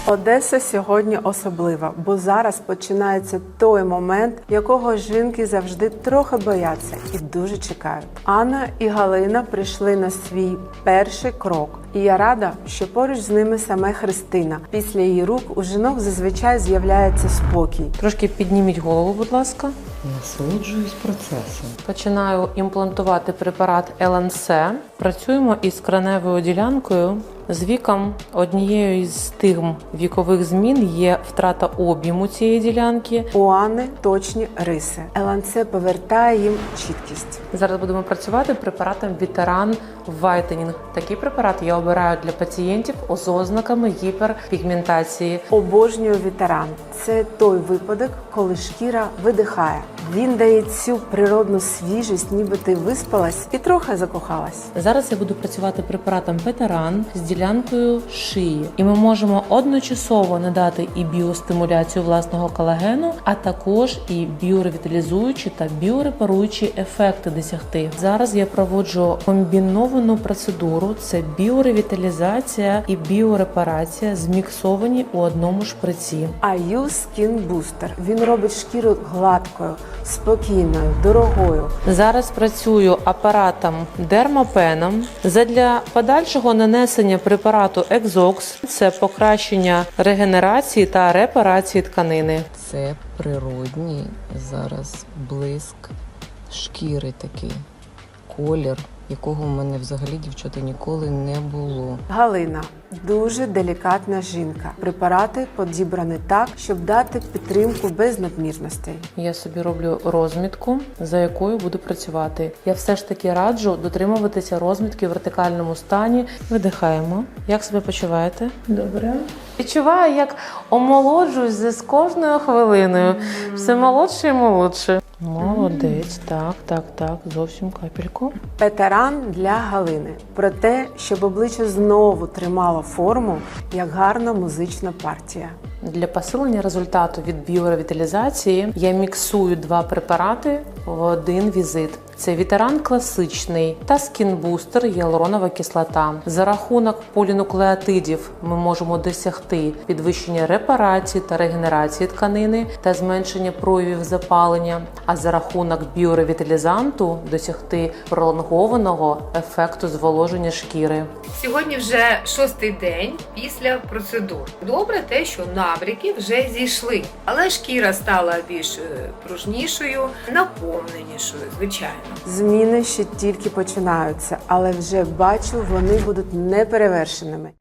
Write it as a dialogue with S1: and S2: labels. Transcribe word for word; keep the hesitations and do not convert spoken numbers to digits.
S1: Одеса сьогодні особлива, бо зараз починається той момент, якого жінки завжди трохи бояться і дуже чекають. Анна і Галина прийшли на свій перший крок. І я рада, що поруч з ними саме Христина. Після її рук у жінок зазвичай з'являється спокій.
S2: Трошки підніміть голову, будь ласка.
S3: Насолоджуюсь процесом.
S2: Починаю імплантувати препарат ел ен се. Працюємо із краневою ділянкою. З віком однією із стигм вікових змін є втрата об'єму цієї ділянки.
S1: У Анни точні риси. ел ен се повертає їм чіткість.
S2: Зараз будемо працювати препаратом Вітеран Вайтенінг. Такий препарат я обираю для пацієнтів з ознаками гіперпігментації.
S1: Обожнюю Вітеран. Це той випадок, коли шкіра видихає. Він дає цю природну свіжість, ніби ти виспалась і трохи закохалась.
S2: Зараз я буду працювати препаратом Вітеран з ділянкою шиї. І ми можемо одночасово надати і біостимуляцію власного колагену, а також і біоревіталізуючі та біорепаруючі ефекти досягти. Зараз я проводжу комбіновану процедуру. Це біоревіталізація і біорепарація зміксовані у одному шприці.
S1: аю Skin Booster. Він робить шкіру гладкою, спокійною, дорогою.
S2: Зараз працюю апаратом дермапеном. Задля подальшого нанесення препарату Екзокс – це покращення регенерації та репарації тканини.
S3: Це природній зараз блиск шкіри такий, колір, якого в мене взагалі, дівчата, ніколи не було.
S1: Галина – дуже делікатна жінка. Препарати підібрані так, щоб дати підтримку без надмірностей.
S2: Я собі роблю розмітку, за якою буду працювати. Я все ж таки раджу дотримуватися розмітки в вертикальному стані. Видихаємо. Як себе почуваєте? Добре. Відчуваю, як омолоджуюсь з кожною хвилиною. Все молодше і молодше. Молодець, так, так, так, зовсім капельку.
S1: Вітеран для Галини. Про те, щоб обличчя знову тримало форму, як гарна музична партія.
S2: Для посилення результату від біоревіталізації я міксую два препарати в один візит. Це Вітеран класичний та скін-бустер гіалуронова кислота. За рахунок полінуклеотидів ми можемо досягти підвищення репарації та регенерації тканини та зменшення проявів запалення, а за рахунок біоревіталізанту досягти пролонгованого ефекту зволоження шкіри.
S4: Сьогодні вже шостий день після процедур. Добре те, що набряки вже зійшли, але шкіра стала більш пружнішою, наповненішою, звичайно.
S1: Зміни ще тільки починаються, але вже бачу, вони будуть неперевершеними.